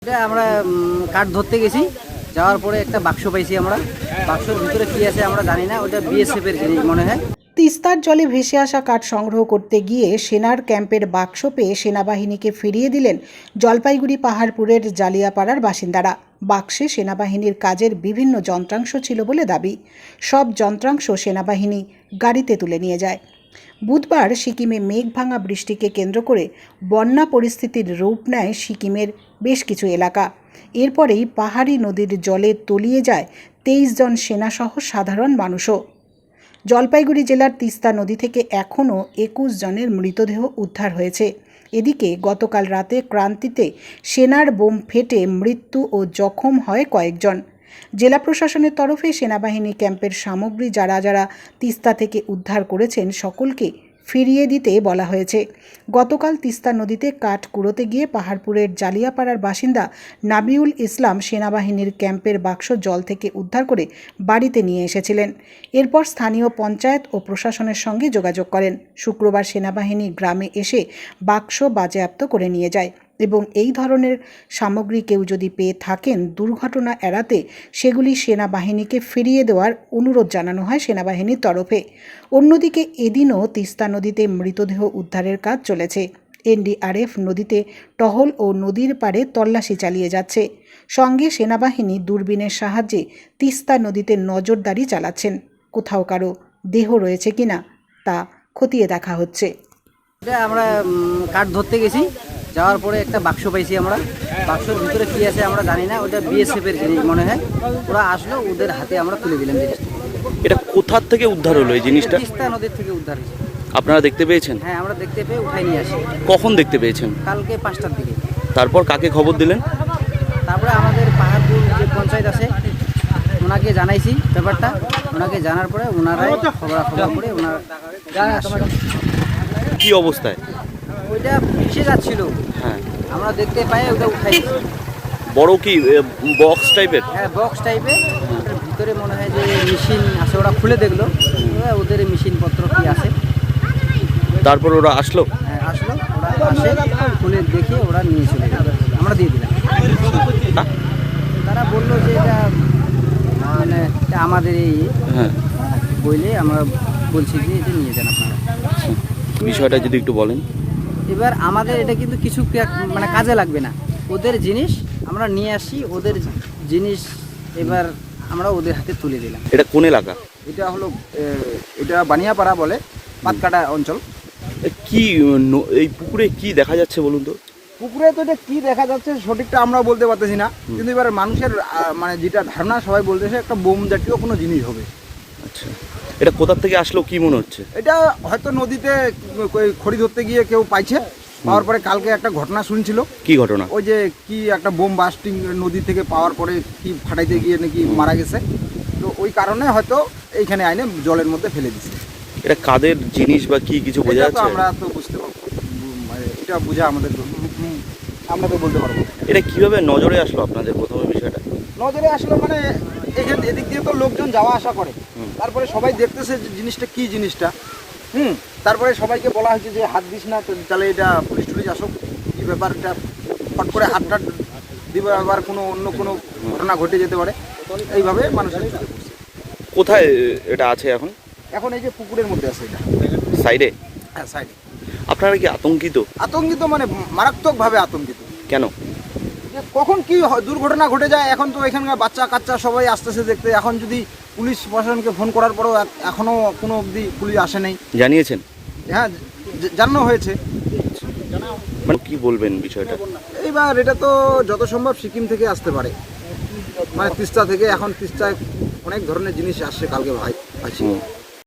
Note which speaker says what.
Speaker 1: এটা আমরা কাঠ ধরতে গেছি, যাওয়ার পরে একটা বাক্স পাইছি। আমরা বাক্সের ভিতরে কি আছে আমরা জানি না, ওটা বিএসএফ এর জিনিস মনে হয়।
Speaker 2: তিস্তার জলে ভেসে আসা কাঠ সংগ্রহ করতে গিয়ে সেনার ক্যাম্পের বাক্স পেয়ে সেনাবাহিনীকে ফিরিয়ে দিলেন জলপাইগুড়ি পাহাড়পুরের জালিয়াপাড়ার বাসিন্দারা। বাক্সে সেনাবাহিনীর কাজের বিভিন্ন যন্ত্রাংশ ছিল বলে দাবি। সব যন্ত্রাংশ সেনাবাহিনী গাড়িতে তুলে নিয়ে যায়। বুধবার সিকিমে মেঘভাঙা বৃষ্টিকে কেন্দ্র করে বন্যা পরিস্থিতির রূপ নেয় সিকিমের বেশ কিছু এলাকা। এরপরেই পাহাড়ি নদীর জলে তলিয়ে যায় 23 জন সেনাসহ সাধারণ মানুষও। জলপাইগুড়ি জেলার তিস্তা নদী থেকে এখনও 21 জনের মৃতদেহ উদ্ধার হয়েছে। এদিকে গতকাল রাতে ক্রান্তিতে সেনার বোম ফেটে মৃত্যু ও জখম হয় কয়েকজন। জেলা প্রশাসনের তরফে সেনাবাহিনী ক্যাম্পের সামগ্রী যারা যারা তিস্তা থেকে উদ্ধার করেছেন সকলকে ফিরিয়ে দিতে বলা হয়েছে। গতকাল তিস্তা নদীতে কাঠ কুড়োতে গিয়ে পাহাড়পুরের জালিয়াপাড়ার বাসিন্দা নাবিউল ইসলাম সেনাবাহিনীর ক্যাম্পের বাক্স জল থেকে উদ্ধার করে বাড়িতে নিয়ে এসেছিলেন। এরপর স্থানীয় পঞ্চায়েত ও প্রশাসনের সঙ্গে যোগাযোগ করেন। শুক্রবার সেনাবাহিনী গ্রামে এসে বাক্স বাজেয়াপ্ত করে নিয়ে যায় এবং এই ধরনের সামগ্রী কেউ যদি পেয়ে থাকেন দুর্ঘটনা এড়াতে সেগুলি সেনাবাহিনীকে ফিরিয়ে দেওয়ার অনুরোধ জানানো হয় সেনাবাহিনীর তরফে। অন্যদিকে এদিনও তিস্তা নদীতে মৃতদেহ উদ্ধারের কাজ চলেছে। এনডিআরএফ নদীতে টহল ও নদীর পাড়ে তল্লাশি চালিয়ে যাচ্ছে। সঙ্গে সেনাবাহিনী দূরবীনের সাহায্যে তিস্তা নদীতে নজরদারি চালাচ্ছেন। কোথাও কারো দেহ রয়েছে কিনা তা খতিয়ে দেখা হচ্ছে।
Speaker 1: এটা আমরা কাঠ ধরতে গেছি, যাওয়ার পরে একটা বাক্স পাইছি। আমরা বাক্সের ভিতরে কি আছে আমরা জানি না, ওটা বিএসএফ এর জিনিস মনে হয়। ওরা আসলো, ওদের হাতে আমরা তুলে দিলাম জিনিসটা।
Speaker 3: এটা কোথার থেকে উদ্ধার হলো এই জিনিসটা?
Speaker 1: তিস্তা নদীর থেকে উদ্ধার হয়েছে।
Speaker 3: আপনারা দেখতে পেয়েছেন?
Speaker 1: হ্যাঁ, আমরা দেখতে পেয়ে উঠাই নিয়ে আসি।
Speaker 3: কখন দেখতে পেয়েছেন?
Speaker 1: কালকে 5টার দিকে।
Speaker 3: তারপর কাকে খবর দিলেন?
Speaker 1: তারপরে আমাদের পাহাড়পুর যে পঞ্চায়েত আছে ওনাকে জানাইছি ব্যাপারটা। ওনাকে জানার পরে ওনারাই খবর করে ওনারা
Speaker 3: কি অবস্থায়?
Speaker 1: ওইটা ভেসে যাচ্ছিল।
Speaker 3: হ্যাঁ,
Speaker 1: আমরা দেখতে পাই ওটা উঠাইছি।
Speaker 3: বড় কি বক্স টাইপের?
Speaker 1: হ্যাঁ, বক্স টাইপের। ওটার ভিতরে মনে হয় যে মেশিন আছে, ওরা খুলে দেখলো ওদের মেশিনপত্র কি আছে।
Speaker 3: তারপর ওরা আসলো?
Speaker 1: হ্যাঁ, আসলো, ওরা আসে খুলে দেখে ওরা নিয়ে চলে গেল। আমরা দিয়ে দিলাম। তারা বললো যে এটা মানে আমাদের এই
Speaker 3: হ্যাঁ,
Speaker 1: বইলে আমরা বলছি যে এটা নিয়ে যান আপনারা।
Speaker 3: বিষয়টা যদি একটু বলেন।
Speaker 1: এবার আমাদের এটা কিন্তু কিছু মানে কাজে লাগবে না। ওদের জিনিস আমরা নিয়ে আসি, ওদের জিনিস এবার আমরা ওদের হাতে তুলে দিলাম।
Speaker 3: এটা কোন এলাকা?
Speaker 4: এটা হলো এটা বানিয়াপাড়া বলে, পাতকাটা অঞ্চল।
Speaker 3: কি এই পুকুরে কি দেখা যাচ্ছে বলুন তো?
Speaker 4: পুকুরে তো এটা কি দেখা যাচ্ছে সঠিকটা আমরা বলতে পারতেছি না, কিন্তু এবার মানুষের মানে যেটা ধারণা সবাই বলতেছে একটা বোম জাতীয় কোনো জিনিস হবে।
Speaker 3: আচ্ছা, এটা কোথার থেকে আসলো কি মনে হচ্ছে?
Speaker 4: এটা হয়তো নদীতে খড়ি ধরতে গিয়ে কেউ পাইছে। পাওয়ার পরে কালকে একটা ঘটনা শুনছিল।
Speaker 3: কি ঘটনা?
Speaker 4: ওই যে কি একটা বোম বাস্টিং নদী থেকে পাওয়ার পরে কি ফাটাইতে গিয়ে নাকি মারা গেছে। তো ওই কারণে হয়তো এইখানে আইনে জলের মধ্যে ফেলে দিচ্ছে।
Speaker 3: এটা কাদের জিনিস বা কি কিছু বোঝা যাচ্ছে?
Speaker 4: আমরা তো বুঝতে পারবো, এটা বোঝা আমাদের আমরা তো বলতে পারবো।
Speaker 3: এটা কিভাবে নজরে আসলো আপনাদের প্রথমে বিষয়টা?
Speaker 4: নজরে আসলো মানে এখানে এদিক দিয়ে তো লোকজন যাওয়া আসা করে, তারপরে সবাই দেখতেছে যে জিনিসটা কি জিনিসটা। তারপরে সবাইকে বলা হয়েছে যে হাত দিস না, তাহলে এটা পুলিশ টুলিশ আসুক, কি ব্যাপারটা ফট করে হাতটা দিবে, আবার কোনো অন্য কোনো ঘটনা ঘটে যেতে পারে। এইভাবে মানুষের চোখে পড়ছে।
Speaker 3: কোথায় এটা আছে এখন?
Speaker 4: এখন এই যে পুকুরের মধ্যে আছে এটা,
Speaker 3: সাইডে।
Speaker 4: হ্যাঁ সাইডে।
Speaker 3: আপনারা কি আতঙ্কিত?
Speaker 4: আতঙ্কিত মানে মারাত্মকভাবে আতঙ্কিত।
Speaker 3: কেন?
Speaker 4: যে কখন কি দুর্ঘটনা ঘটে যায়। এখন তো এখানকার বাচ্চা কাচ্চা সবাই আসতেছে দেখতে। এখন যদি পুলিশ প্রশাসনকে ফোন করার পরেও এখনও কোনো অবধি পুলিশ আসে নাই।
Speaker 3: জানিয়েছেন?
Speaker 4: হ্যাঁ, জানানো হয়েছে।
Speaker 3: মানে কি বলবেন বিষয়টা?
Speaker 4: এইবার এটা তো যত সম্ভব সিকিম থেকে আসতে পারে, মানে তিস্তা থেকে। এখন তিস্তায় অনেক ধরনের জিনিস আসছে কালকে ভাই।